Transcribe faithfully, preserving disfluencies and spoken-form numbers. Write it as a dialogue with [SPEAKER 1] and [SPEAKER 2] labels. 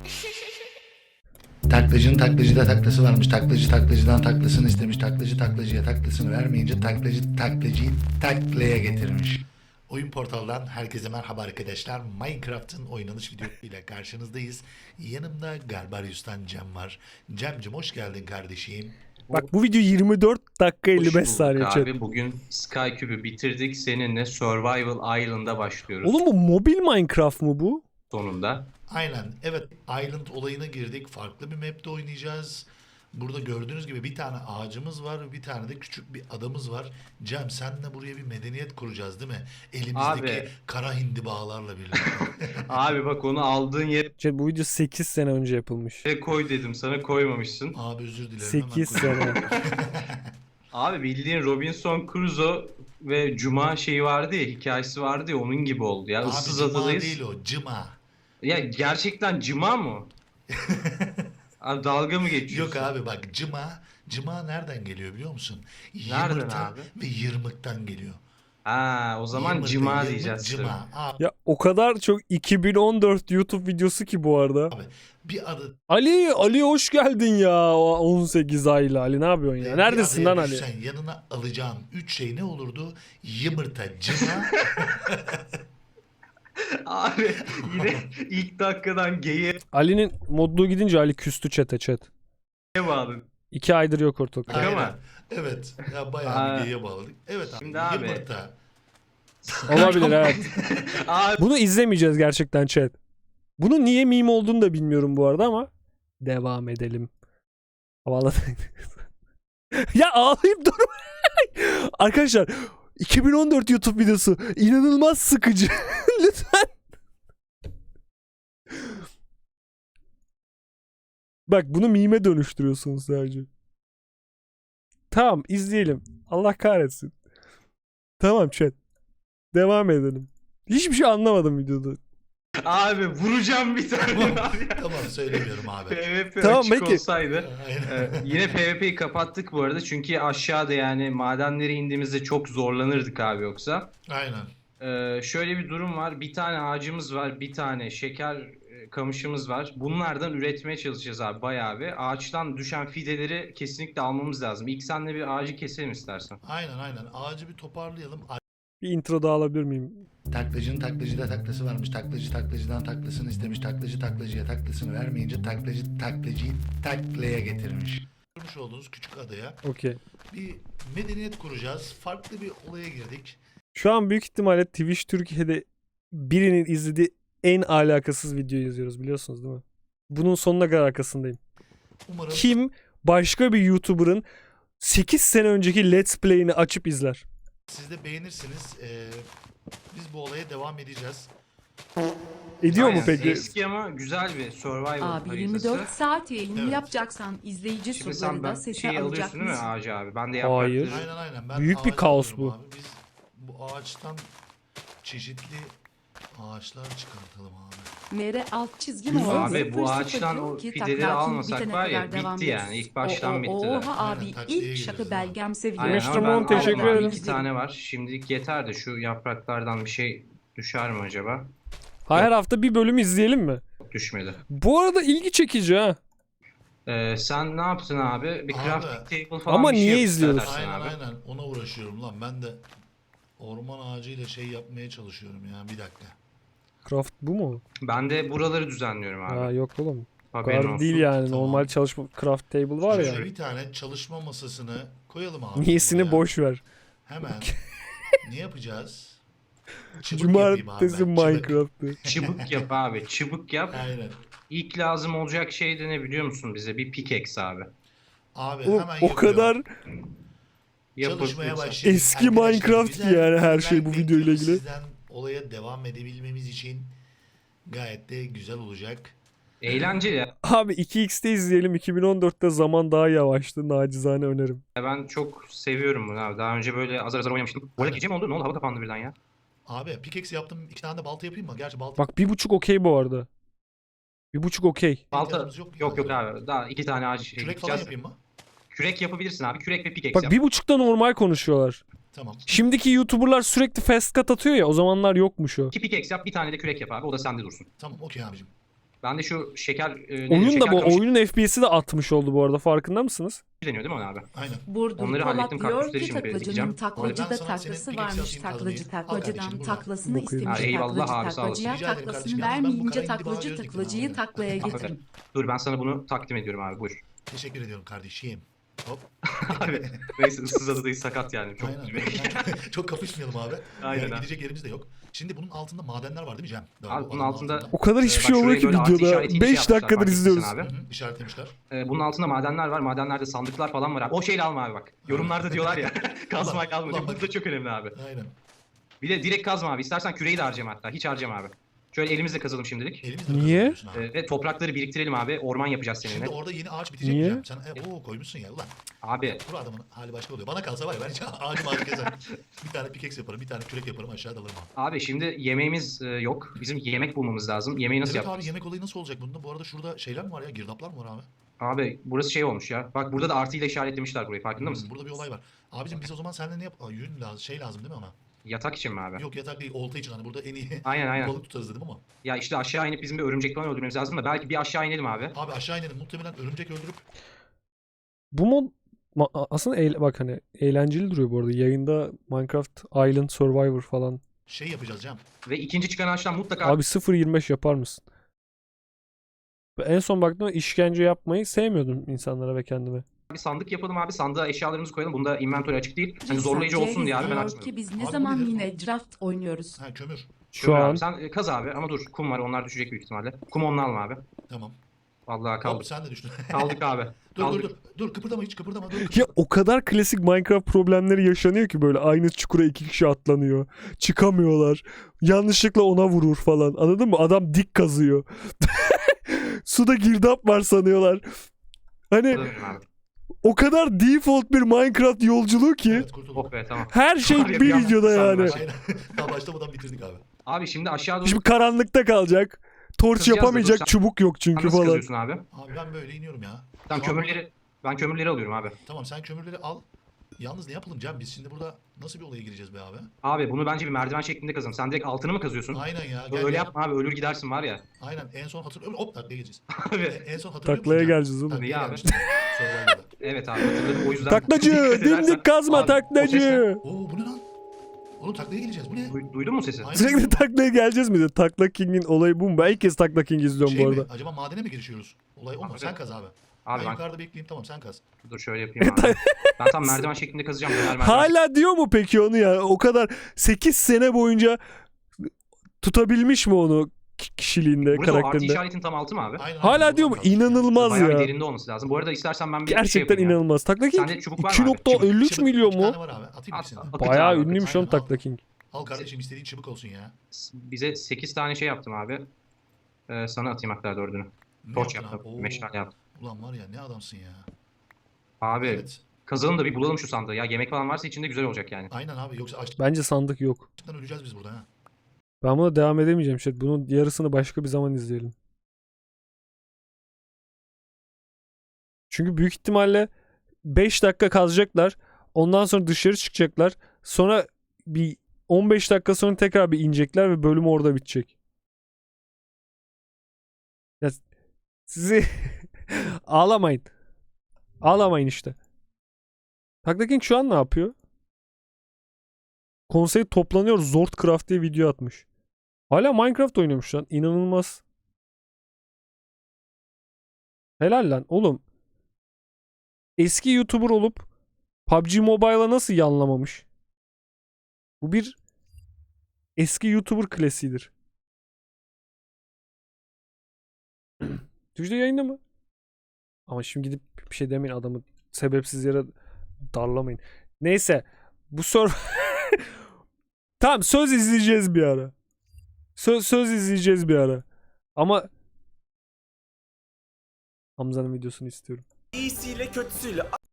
[SPEAKER 1] Taklacının taklacıda taklası varmış. Taklacı taklacıdan taklasını istemiş. Taklacı taklacıya taklasını vermeyince taklacı taklacıyı taklaya getirmiş. Oyun Portal'dan herkese merhaba arkadaşlar. Minecraft'ın oynanış videosuyla karşınızdayız. Yanımda Garbarius'tan Cem var. Cem'cim hoş geldin kardeşim.
[SPEAKER 2] Bak bu video yirmi dört dakika elli beş saniye chat.
[SPEAKER 3] Abi bugün Skycube'ü bitirdik. Seninle Survival Island'a başlıyoruz
[SPEAKER 2] Oğlum bu mobil Minecraft mı bu?
[SPEAKER 3] sonunda.
[SPEAKER 1] Aynen. Evet, Island olayına girdik. Farklı bir map'te oynayacağız. Burada gördüğünüz gibi bir tane ağacımız var, bir tane de küçük bir adamız var. Cem, senle buraya bir medeniyet kuracağız değil mi? Elimizdeki
[SPEAKER 3] Abi.
[SPEAKER 1] kara hindi bağlarla birlikte.
[SPEAKER 3] Abi bak onu aldığın yere
[SPEAKER 2] Chat bu video sekiz sene önce yapılmış.
[SPEAKER 3] koy dedim sana, koymamışsın.
[SPEAKER 1] Abi özür dilerim.
[SPEAKER 2] sekiz
[SPEAKER 1] hemen
[SPEAKER 2] sene.
[SPEAKER 3] Abi bildiğin Robinson Crusoe ve Cuma şeyi vardı ya, hikayesi vardı ya, onun gibi oldu ya.
[SPEAKER 1] Abi
[SPEAKER 3] Issız
[SPEAKER 1] cıma
[SPEAKER 3] adadayız.
[SPEAKER 1] değil o, cıma.
[SPEAKER 3] Ya gerçekten Cuma mı? Abi dalga mı geçiyorsun?
[SPEAKER 1] Yok abi bak, cıma. Cıma nereden geliyor biliyor musun?
[SPEAKER 3] Nereden
[SPEAKER 1] Yımırta
[SPEAKER 3] abi?
[SPEAKER 1] ve yırmıktan geliyor.
[SPEAKER 3] Ha, o zaman
[SPEAKER 1] Yımırta,
[SPEAKER 3] Cuma
[SPEAKER 1] yırmık,
[SPEAKER 3] diyeceğiz.
[SPEAKER 1] Cıma. Abi,
[SPEAKER 2] Ya o kadar çok iki bin on dört YouTube videosu ki bu arada.
[SPEAKER 1] abi bir adı
[SPEAKER 2] Ali, Ali hoş geldin ya. O on sekiz aylı Ali ne yapıyorsun ya?
[SPEAKER 1] bir
[SPEAKER 2] Neredesin
[SPEAKER 1] adaya
[SPEAKER 2] lan Ali?
[SPEAKER 1] düşsen yanına alacağın üç şey ne olurdu? Yımırta, cıma.
[SPEAKER 3] Abi yine ilk dakikadan geyiğe
[SPEAKER 2] Ali'nin modluğu gidince Ali küstü chat'e chat.
[SPEAKER 3] bağladın.
[SPEAKER 2] İki aydır yok ortalıkta.
[SPEAKER 3] Şaka mı?
[SPEAKER 1] Aynen. Evet. Ya bayağı
[SPEAKER 3] Aa.
[SPEAKER 1] bir geyiğe bağladık. Evet abi.
[SPEAKER 3] Şimdi abi-
[SPEAKER 1] Yumurta.
[SPEAKER 2] Olabilir evet.
[SPEAKER 3] Abi
[SPEAKER 2] Bunu izlemeyeceğiz gerçekten chat. Bunun niye meme olduğunu da bilmiyorum bu arada ama devam edelim. Havalı. Ya ağlayıp durma. Arkadaşlar iki bin on dört YouTube videosu inanılmaz sıkıcı. Lütfen. Bak bunu meme dönüştürüyorsunuz sadece. Tamam izleyelim. Allah kahretsin. Tamam chat. Devam edelim. Hiçbir şey anlamadım videoda.
[SPEAKER 3] Abi vuracağım bir tane abi.
[SPEAKER 1] Tamam söylemiyorum abi.
[SPEAKER 3] PvP
[SPEAKER 2] Tamam,
[SPEAKER 3] açık
[SPEAKER 2] peki.
[SPEAKER 3] olsaydı.
[SPEAKER 1] Aynen.
[SPEAKER 3] Ee, yine PvP'yi kapattık bu arada çünkü aşağıda yani madenlere indiğimizde çok zorlanırdık abi yoksa.
[SPEAKER 1] Aynen.
[SPEAKER 3] Ee, şöyle bir durum var. Bir tane ağacımız var, bir tane şeker e, kamışımız var. Bunlardan üretmeye çalışacağız abi bayağı bir. Ağaçtan düşen fideleri kesinlikle almamız lazım. İlk senle bir ağacı keselim istersen.
[SPEAKER 1] Aynen aynen. Ağacı bir toparlayalım.
[SPEAKER 2] Bir intro daha alabilir miyim?
[SPEAKER 1] Taklacının taklacıda taklası varmış. Taklacı taklacıdan taklasını istemiş. Taklacı taklacıya taklasını vermeyince taklacı taklacıyı taklaya getirmiş. Görmüş olduğunuz küçük adaya
[SPEAKER 2] Okey.
[SPEAKER 1] bir medeniyet kuracağız. Farklı bir olaya girdik.
[SPEAKER 2] Şu an büyük ihtimalle Twitch Türkiye'de birinin izlediği en alakasız videoyu yazıyoruz biliyorsunuz değil mi? Bunun sonuna kadar arkasındayım.
[SPEAKER 1] Umarım
[SPEAKER 2] Kim başka bir YouTuber'ın sekiz sene önceki Let's Play'ini açıp izler?
[SPEAKER 1] siz de beğenirsiniz. Ee, biz bu olaya devam edeceğiz.
[SPEAKER 2] Ediyor mu
[SPEAKER 3] Aynen.
[SPEAKER 2] peki?
[SPEAKER 3] Eski ama güzel bir survival
[SPEAKER 4] Abi
[SPEAKER 3] haritası.
[SPEAKER 4] yirmi dört saat yayını
[SPEAKER 1] Evet.
[SPEAKER 4] yapacaksan izleyici
[SPEAKER 3] Şimdi
[SPEAKER 4] soruları
[SPEAKER 3] sen
[SPEAKER 4] da
[SPEAKER 3] ben
[SPEAKER 4] sese
[SPEAKER 3] şeyi
[SPEAKER 4] alacak
[SPEAKER 3] alıyorsun değil mi
[SPEAKER 4] mısın?
[SPEAKER 3] ağacı abi? Ben de
[SPEAKER 2] Hayır.
[SPEAKER 3] yaprakları...
[SPEAKER 1] Aynen aynen. Ben
[SPEAKER 2] Büyük bir
[SPEAKER 1] ağaç
[SPEAKER 2] kaos
[SPEAKER 1] alıyorum
[SPEAKER 2] bu.
[SPEAKER 1] Abi. Biz bu ağaçtan çeşitli ağaçlar çıkartalım abi.
[SPEAKER 4] Mere alt çizgi
[SPEAKER 2] Güzel.
[SPEAKER 4] mi?
[SPEAKER 3] Abi bu ağaçtan o fideleri almasak var ya bitti yani. İlk baştan bittiler.
[SPEAKER 4] Oha abi
[SPEAKER 1] Aynen, taktiğe
[SPEAKER 4] ilk şakı
[SPEAKER 1] giriyoruz
[SPEAKER 4] belgem seviyor.
[SPEAKER 3] Aynen
[SPEAKER 2] mister
[SPEAKER 3] ama ben
[SPEAKER 2] Mon, teşekkür
[SPEAKER 3] aldım abi.
[SPEAKER 2] ederim.
[SPEAKER 3] İki tane var. Şimdilik yeter de şu yapraklardan bir şey düşer mi acaba?
[SPEAKER 2] Her hafta bir bölüm izleyelim mi?
[SPEAKER 3] Düşmedi.
[SPEAKER 2] Bu arada ilgi çekici ha.
[SPEAKER 3] Ee, sen ne yaptın abi? Bir
[SPEAKER 1] Abi.
[SPEAKER 3] crafting table falan
[SPEAKER 2] Ama
[SPEAKER 3] bir şey
[SPEAKER 2] niye
[SPEAKER 3] yap
[SPEAKER 2] izliyoruz?
[SPEAKER 3] istersen
[SPEAKER 1] Aynen
[SPEAKER 3] abi.
[SPEAKER 1] aynen. Ona uğraşıyorum lan. Ben de orman ağacıyla şey yapmaya çalışıyorum ya. Bir dakika.
[SPEAKER 2] Craft bu mu?
[SPEAKER 3] Ben de buraları düzenliyorum abi.
[SPEAKER 2] Ha yok oğlum. Bu
[SPEAKER 3] Haberin
[SPEAKER 2] kadar
[SPEAKER 3] olsun.
[SPEAKER 2] değil yani.
[SPEAKER 1] Tamam.
[SPEAKER 2] Normal çalışma craft table var ya.
[SPEAKER 1] Şöyle bir tane çalışma masasını koyalım abi.
[SPEAKER 2] Niyesini
[SPEAKER 1] buraya.
[SPEAKER 2] boş ver.
[SPEAKER 1] Hemen. Ne yapacağız? Çıbık yapayım abi
[SPEAKER 2] Cumartesi
[SPEAKER 1] ben, çıbık.
[SPEAKER 2] Minecraft'ı.
[SPEAKER 3] Çıbık yap abi. Çıbık yap.
[SPEAKER 1] Aynen.
[SPEAKER 3] İlk lazım olacak şey de ne biliyor musun bize? Bir pickaxe abi.
[SPEAKER 1] Abi
[SPEAKER 2] O,
[SPEAKER 1] hemen
[SPEAKER 2] o
[SPEAKER 1] yapıyorum.
[SPEAKER 2] kadar
[SPEAKER 3] Yapıp
[SPEAKER 1] Çalışmaya
[SPEAKER 3] lütfen.
[SPEAKER 1] başlayalım.
[SPEAKER 2] Eski
[SPEAKER 1] Arkadaşlar,
[SPEAKER 2] Minecraft
[SPEAKER 1] güzel
[SPEAKER 2] ki yani her
[SPEAKER 1] feedback
[SPEAKER 2] şey bu videoyla
[SPEAKER 1] bekliyoruz
[SPEAKER 2] ilgili.
[SPEAKER 1] Sizden olaya devam edebilmemiz için gayet de güzel olacak.
[SPEAKER 3] Eğlenceli ya.
[SPEAKER 2] Abi iki x'te izleyelim. iki bin on dörtte zaman daha yavaştı. Nacizane önerim.
[SPEAKER 3] Ben çok seviyorum bunu abi. Daha önce böyle azar azar oynamıştım. Bu arada
[SPEAKER 1] Aynen.
[SPEAKER 3] gece mi oldu? Ne oldu? Hava kapandı birden ya.
[SPEAKER 1] Abi pickaxe yaptım. İki tane de balta yapayım mı? Gerçi balta
[SPEAKER 2] Bak bir buçuk okey bu arada. Bir buçuk okey.
[SPEAKER 3] Balta
[SPEAKER 1] ihtiyacımız
[SPEAKER 3] yok
[SPEAKER 1] yok
[SPEAKER 3] yok,
[SPEAKER 1] mu?
[SPEAKER 3] abi. Daha iki tane ağaç şey
[SPEAKER 1] kürek falan
[SPEAKER 3] dikeceğiz.
[SPEAKER 1] yapayım mı?
[SPEAKER 3] Kürek yapabilirsin abi. Kürek ve pickaxe
[SPEAKER 2] Bak
[SPEAKER 3] yap.
[SPEAKER 2] bir buçukta normal konuşuyorlar.
[SPEAKER 1] Tamam.
[SPEAKER 2] Şimdiki YouTuber'lar sürekli fast cut atıyor ya. O zamanlar yokmuş o.
[SPEAKER 3] İki pickaxe yap. Bir tane de kürek yap abi. O da sende dursun.
[SPEAKER 1] Tamam okey abicim.
[SPEAKER 3] Ben de şu şeker... E, ne-
[SPEAKER 2] Oyun da
[SPEAKER 3] şeker
[SPEAKER 2] bu
[SPEAKER 3] kamışı
[SPEAKER 2] oyunun F P S'i de atmış oldu bu arada, farkında mısınız?
[SPEAKER 3] deniyor değil mi ona abi?
[SPEAKER 1] Aynen.
[SPEAKER 4] Burdur
[SPEAKER 3] Onları
[SPEAKER 4] Polat
[SPEAKER 3] hallettim,
[SPEAKER 4] diyor
[SPEAKER 3] kaktüsleri
[SPEAKER 4] ki
[SPEAKER 3] şimdi
[SPEAKER 4] taklacının
[SPEAKER 3] dikeceğim.
[SPEAKER 1] Abi ben
[SPEAKER 4] taklacıda
[SPEAKER 1] sana
[SPEAKER 4] taklası
[SPEAKER 1] senin
[SPEAKER 4] varmış.
[SPEAKER 1] Phoenix yapayım
[SPEAKER 4] Taklacı
[SPEAKER 1] kazmayı. Al
[SPEAKER 4] taklacıdan
[SPEAKER 1] kardeşim, bu
[SPEAKER 4] taklasını
[SPEAKER 2] Bakayım.
[SPEAKER 4] istemiş.
[SPEAKER 3] Ha, eyvallah
[SPEAKER 4] Taklacı
[SPEAKER 3] abi, sağ olasın.
[SPEAKER 4] taklacıya
[SPEAKER 1] Rica ederim
[SPEAKER 4] taklasını
[SPEAKER 1] kardeşim. Yalnız ben bu
[SPEAKER 4] vermeyince
[SPEAKER 1] karayı bir daha
[SPEAKER 4] taklacı
[SPEAKER 1] gözledim
[SPEAKER 4] taklacıyı
[SPEAKER 1] abi.
[SPEAKER 4] taklaya getirmiş.
[SPEAKER 3] Dur ben sana bunu takdim ediyorum abi, buyur.
[SPEAKER 1] Teşekkür ediyorum kardeşim. Hop.
[SPEAKER 3] Abi neyse, ıssız adadayız, sakat yani. Çok
[SPEAKER 1] Aynen. Çok kapışmayalım abi.
[SPEAKER 3] Aynen
[SPEAKER 1] Yani
[SPEAKER 3] abi.
[SPEAKER 1] gidecek yerimiz de yok. Şimdi bunun altında madenler var değil mi Cem? Doğru,
[SPEAKER 3] Abi
[SPEAKER 1] bu
[SPEAKER 3] bunun
[SPEAKER 1] adamın
[SPEAKER 3] altında-
[SPEAKER 2] O kadar
[SPEAKER 3] Ee,
[SPEAKER 2] hiçbir
[SPEAKER 3] bak
[SPEAKER 2] şey olmuyor
[SPEAKER 3] şuraya
[SPEAKER 2] ki
[SPEAKER 3] böyle artı
[SPEAKER 2] videoda.
[SPEAKER 3] işaretiyle şey
[SPEAKER 2] beş
[SPEAKER 3] yapmışlar,
[SPEAKER 2] dakikadır
[SPEAKER 3] fark
[SPEAKER 2] izliyoruz.
[SPEAKER 3] ettiysen abi.
[SPEAKER 1] Hı hı, işaretlemişler.
[SPEAKER 3] Ee, bunun altında madenler var. Madenlerde sandıklar falan var abi. O şeyle alma abi bak. Yorumlarda diyorlar ya. Kazmayla alma.
[SPEAKER 1] ulan
[SPEAKER 3] Çünkü
[SPEAKER 1] bak.
[SPEAKER 3] bu da çok önemli abi.
[SPEAKER 1] Aynen.
[SPEAKER 3] Bir de direkt kazma abi. İstersen küreği de harcama hatta. Hiç harcama abi. Şöyle elimizle kazalım şimdilik.
[SPEAKER 1] Elimizle
[SPEAKER 2] Niye?
[SPEAKER 1] kazanıyorsun abi.
[SPEAKER 3] Ee, ve toprakları biriktirelim abi. Orman yapacağız
[SPEAKER 1] Şimdi
[SPEAKER 3] seninle.
[SPEAKER 1] orada yeni ağaç bitecek
[SPEAKER 2] Niye?
[SPEAKER 1] mi Cem? Sen e, oo, koymuşsun ya ulan.
[SPEAKER 3] Abi
[SPEAKER 1] Bu adamın hali başka oluyor. Bana kalsa var ya ben hiç ağacım ağacı keserim. Bir tane pickaxe yaparım, bir tane kürek yaparım, aşağıda alırım abi.
[SPEAKER 3] abi şimdi yemeğimiz e, yok. Bizim yemek bulmamız lazım. Yemeği nasıl
[SPEAKER 1] Evet
[SPEAKER 3] yapacağız?
[SPEAKER 1] abi, yemek olayı nasıl olacak bunda? Bu arada şurada şeyler mi var ya? Girdaplar mı var abi?
[SPEAKER 3] Abi burası şey olmuş ya. Bak burada da artıyla işaretlemişler burayı. Farkında mısın?
[SPEAKER 1] Hmm, burada bir olay var. Abicim biz o zaman seninle ne yap? Aa, yün lazım, şey lazım değil mi ona?
[SPEAKER 3] Yatak için mi abi?
[SPEAKER 1] Yok yatak değil, olta için hani burada en iyi
[SPEAKER 3] Aynen aynen.
[SPEAKER 1] balık tutarız dedim ama.
[SPEAKER 3] Ya işte aşağı inip bizim bir örümcek falan öldürmemiz lazım da belki bir aşağı inelim abi.
[SPEAKER 1] Abi aşağı inelim, muhtemelen örümcek öldürüp
[SPEAKER 2] Bu mod ma- aslında eğle- bak hani eğlenceli duruyor bu arada. Yayında Minecraft Island Survivor falan.
[SPEAKER 1] şey yapacağız Cem.
[SPEAKER 3] Ve ikinci çıkan ağaçtan mutlaka
[SPEAKER 2] Abi sıfır yirmi beş yapar mısın? Ben en son baktığımda işkence yapmayı sevmiyordum insanlara ve kendime.
[SPEAKER 3] bir sandık yapalım abi. Sandığa eşyalarımızı koyalım. Bunda inventory açık değil. Hani zorlayıcı olsun diye abi ben
[SPEAKER 4] diyor
[SPEAKER 3] açmadım.
[SPEAKER 4] ki biz
[SPEAKER 1] Abi
[SPEAKER 4] ne
[SPEAKER 1] bu
[SPEAKER 4] zaman
[SPEAKER 1] nedir?
[SPEAKER 4] yine draft oynuyoruz.
[SPEAKER 1] Ha kömür.
[SPEAKER 2] Şu
[SPEAKER 3] Şöyle
[SPEAKER 2] an
[SPEAKER 3] abi, sen e, kaz abi ama dur kum var, onlar düşecek büyük ihtimalle. Kum onunla alma abi.
[SPEAKER 1] Tamam.
[SPEAKER 3] Vallahi
[SPEAKER 1] Hop
[SPEAKER 3] kaldık.
[SPEAKER 1] sen de düştün.
[SPEAKER 3] Kaldık abi.
[SPEAKER 1] dur
[SPEAKER 3] kaldık.
[SPEAKER 1] dur dur. Dur kıpırdama, hiç kıpırdama. Dur.
[SPEAKER 2] ya o kadar klasik Minecraft problemleri yaşanıyor ki, böyle aynı çukura iki kişi atlanıyor. Çıkamıyorlar. Yanlışlıkla ona vurur falan. Anladın mı? Adam dik kazıyor. Suda girdap var sanıyorlar. Hani
[SPEAKER 3] Kalırım abi.
[SPEAKER 2] o kadar default bir Minecraft yolculuğu ki
[SPEAKER 1] Evet kurtulduk.
[SPEAKER 3] Oh be tamam.
[SPEAKER 2] her şey
[SPEAKER 3] Var ya,
[SPEAKER 2] bir
[SPEAKER 3] bir anda
[SPEAKER 2] videoda
[SPEAKER 3] sandım
[SPEAKER 2] yani.
[SPEAKER 3] her şey.
[SPEAKER 1] Aynen. Daha başlamadan bitirdik abi.
[SPEAKER 3] Abi şimdi aşağı doğru
[SPEAKER 2] Şimdi karanlıkta kalacak. Torç
[SPEAKER 3] Kızacağız da
[SPEAKER 2] yapamayacak,
[SPEAKER 3] dur, sen-
[SPEAKER 2] çubuk yok
[SPEAKER 3] Sen
[SPEAKER 2] çünkü
[SPEAKER 3] nasıl
[SPEAKER 2] falan.
[SPEAKER 3] kazıyorsun abi?
[SPEAKER 1] Abi ben böyle iniyorum ya.
[SPEAKER 3] Tamam
[SPEAKER 1] Şu an-
[SPEAKER 3] kömürleri ben kömürleri alıyorum abi.
[SPEAKER 1] Tamam sen kömürleri al. Yalnız ne yapalım Cem? Biz şimdi burada nasıl bir olaya gireceğiz be abi?
[SPEAKER 3] Abi bunu bence bir merdiven şeklinde kazalım. Sen direkt altını mı kazıyorsun?
[SPEAKER 1] Aynen ya.
[SPEAKER 3] Öyle
[SPEAKER 1] gel.
[SPEAKER 3] yapma abi, ölür gidersin var ya.
[SPEAKER 1] Aynen en son hatırlıyorum. Hop taklaya gireceğiz.
[SPEAKER 3] Abi
[SPEAKER 1] En son hatırlıyor
[SPEAKER 2] Taklaya
[SPEAKER 1] musun Cem?
[SPEAKER 2] geleceğiz oğlum.
[SPEAKER 1] Taklaya
[SPEAKER 3] Tabii abi.
[SPEAKER 1] gelmiştik. Survivor'da.
[SPEAKER 3] evet abi hatırladım, o yüzden.
[SPEAKER 2] Taklacı,
[SPEAKER 3] dikkat edersen-
[SPEAKER 2] dimdik kazma
[SPEAKER 3] Abi, o ses ne?
[SPEAKER 2] taklacı.
[SPEAKER 1] Oo bu ne lan? Oğlum taklaya geleceğiz. Bu ne?
[SPEAKER 3] Duy- Duydun mu sesi?
[SPEAKER 1] Aynen.
[SPEAKER 2] Sürekli taklaya geleceğiz mi diyor. Takla King'in olayı bu mu? Ben ilk kez Takla King izliyorum
[SPEAKER 1] Şey
[SPEAKER 2] bu
[SPEAKER 1] mi?
[SPEAKER 2] arada.
[SPEAKER 1] Acaba madene mi girişiyoruz? Olay o mu?
[SPEAKER 3] Abi.
[SPEAKER 1] Sen kaz abi.
[SPEAKER 3] Abi
[SPEAKER 1] ben,
[SPEAKER 3] ben
[SPEAKER 1] yukarıda bekleyeyim, tamam sen kaz.
[SPEAKER 3] dur şöyle yapayım abi. Ben tam merdiven şeklinde kazacağım. Döner merdiven.
[SPEAKER 2] Hala diyor mu peki onu ya? O kadar sekiz sene boyunca tutabilmiş mi onu ki- kişiliğinde,
[SPEAKER 3] Burası o artı
[SPEAKER 2] karakterinde?
[SPEAKER 3] işaretin tam altı mı abi?
[SPEAKER 1] Aynen,
[SPEAKER 2] Hala
[SPEAKER 1] aynen,
[SPEAKER 2] diyor mu?
[SPEAKER 1] buradan kaz.
[SPEAKER 2] İnanılmaz
[SPEAKER 3] Bayağı bir
[SPEAKER 2] ya.
[SPEAKER 3] derinde olması lazım. Bu arada istersen ben bir şey
[SPEAKER 2] Gerçekten
[SPEAKER 3] yapayım ya.
[SPEAKER 2] inanılmaz. Takla King
[SPEAKER 3] Sende çubuk var mı
[SPEAKER 2] iki
[SPEAKER 3] abi?
[SPEAKER 2] nokta elli üç
[SPEAKER 1] Çıbık,
[SPEAKER 2] milyon
[SPEAKER 1] iki
[SPEAKER 2] mu?
[SPEAKER 1] tane var abi. Atayım
[SPEAKER 3] At-
[SPEAKER 1] ikisini.
[SPEAKER 3] at-
[SPEAKER 2] Bayağı
[SPEAKER 3] Akıcı abi,
[SPEAKER 2] ünlüymüş
[SPEAKER 1] aynen,
[SPEAKER 2] oğlum
[SPEAKER 1] al.
[SPEAKER 2] Takla King.
[SPEAKER 1] Al kardeşim, istediğin çubuk olsun ya.
[SPEAKER 3] Bize sekiz tane şey yaptım abi. Ee, sana atayım hatta dördünü.
[SPEAKER 1] Ne
[SPEAKER 3] Torç
[SPEAKER 1] yaptın
[SPEAKER 3] yaptım.
[SPEAKER 1] abi? Oo,
[SPEAKER 3] Meşale yaptım.
[SPEAKER 1] Ulan var ya ne adamsın ya.
[SPEAKER 3] Abi
[SPEAKER 1] Evet.
[SPEAKER 3] kazalım da bir bulalım şu sandığı. Ya yemek falan varsa içinde güzel olacak yani.
[SPEAKER 1] Aynen abi, yoksa açlıktan
[SPEAKER 2] Bence sandık yok.
[SPEAKER 1] öleceğiz biz burada ha.
[SPEAKER 2] Ben buna devam edemeyeceğim. Şey. Bunun yarısını başka bir zaman izleyelim. Çünkü büyük ihtimalle beş dakika kazacaklar. Ondan sonra dışarı çıkacaklar. Sonra bir on beş dakika sonra tekrar bir inecekler ve bölüm orada bitecek. Ya sizi ağlamayın. Ağlamayın işte. Takla King şu an ne yapıyor? Konsey toplanıyor. Zordcraft diye video atmış. Hala Minecraft oynuyormuş lan. İnanılmaz. Helal lan. Oğlum. Eski YouTuber olup P U B G Mobile'a nasıl yanlamamış? Bu bir eski YouTuber klasiğidir. Twitch'te yayında mı? Ama şimdi gidip bir şey demeyin, adamı sebepsiz yere darlamayın. Neyse. Bu soru tamam, söz izleyeceğiz bir ara. Söz, söz izleyeceğiz bir ara. Ama Hamza'nın videosunu istiyorum.
[SPEAKER 5] İyisiyle kötüsüyle